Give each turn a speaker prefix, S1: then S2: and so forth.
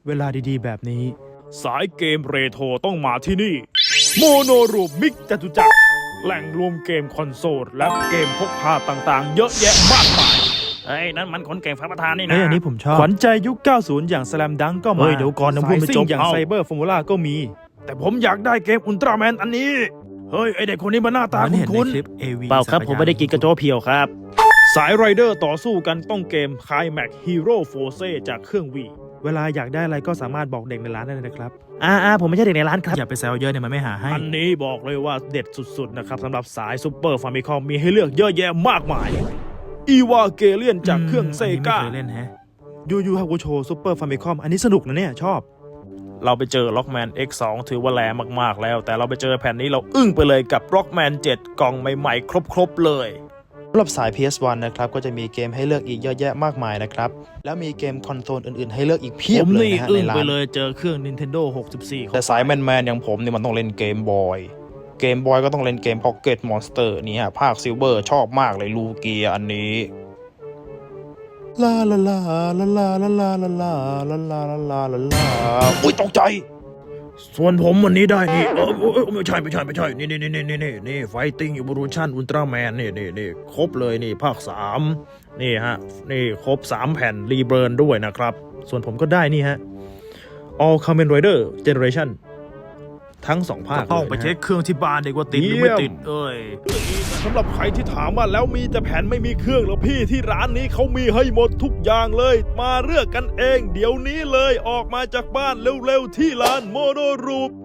S1: เวลาดีๆแบบนี้
S2: สายเกมเรโทรต้องมาที่นี่โมโนรูปมิกจตุจักรแหล่งรวมเกมคอนโซลและเกมพกพาต่างๆ เยอะแยะมากมายเฮ้ยนั่นมันคนเก่งฟ้าประธานนี่นะ
S1: อันนี้ผมชอบขวัญใจยุค 90 อย่าง Slam Dunk ก็มา
S2: เฮ้ยเดี๋ยวก่อนนะพูดไม่จบ
S1: อย่าง
S2: เอา
S1: Cyber Formula ก็มี
S2: แต่ผมอยากได้เกมอุลตร้าแมนอันนี้เฮ้ยไอเด็กคนนี้มันหน้าตา
S1: เหมือนเห็นใน
S2: คุ้น
S1: คลิป AV
S3: เปล่าครับผมไม่ได้กินกระโจเพียวครับ
S2: ๆสายไรเดอร์ต่อสู้กันต้องเกมคายแม็กฮีโร่โฟเซจากเครื่องวี
S1: เวลาอยากได้อะไรก็สามารถบอกเด็กในร้านได้เลยนะครับ
S3: ผมไม่ใช่เด็กในร้านครับ
S1: อย่าไปแซวเยอะเนี่ยมันไม่หาให้
S2: อันนี้บอกเลยว่าเด็ดสุดๆนะครับสำหรับสายซูเปอร์ฟามิคอมมีให้เลือกเยอะแยะมากมายอีวาเกเลียนจากเครื่องเซกา
S1: อันนี้ไม่เคยเล่นแฮะยูฮากุโชซูเปอร์ฟามิคอมอันนี้สนุกนะเนี่ยชอบ
S2: เราไปเจอ Rockman X2 ถือว่าแรงมากๆแล้วแต่เราไปเจอแผ่นนี้เราอึ้งไปเลยกับ Rockman 7 กล่องใหม่ๆครบๆเลย
S1: สำหรับสาย PS1 นะครับก็จะมีเกมให้เลือกอีกเยอะแยะมากมายนะครับแล้วมีเกมคอนโซลอื่นๆให้เลือกอีกเพีย
S2: ผ
S1: บ
S2: ม
S1: เลย
S2: นี่
S1: นะฮะ
S2: อึ้
S1: ใน
S2: ง
S1: ร้า
S2: ไป
S1: น
S2: เลยเจอเครื่อง Nintendo 64
S1: แต่สายแมนๆอย่างผมนี่มันต้องเล่นเกมบอยเกมบอยก็ต้องเล่นเกม Pocket Monster นี่ฮะภาคซิลเวอร์ชอบมากเลยลูเกียอันนี้ลาลาลาลาลาลาลาลาลาลาลาลาลาลาลาอุ้ยตกใจ
S2: ส่วนผมวันนี้ได้นี่ไม่ใช่นี่ไฟติ้งอีโวลูชั่นอุลตร้าแมนนี่ครบเลยนี่ภาค 3นี่ฮะนี่ครบ 3 แผ่นรีเบิร์นด้วยนะครับส่วนผมก็ได้นี่ฮะ All Kamen Rider Generation ทั้ง 2 ภาค
S1: ต้องไปเช็คเครื่องที่บ้านดีกว่าติดหรือไม่ติด
S2: เอ้ยสำหรับใครที่ถามว่าแล้วมีแต่แผ่นไม่มีเครื่องแล้วพี่ที่ร้านนี้เขามีให้หมดทุกอย่างเลยมาเลือกกันเองเดี๋ยวนี้เลยออกมาจากบ้านเร็วๆที่ร้านโมโนรูป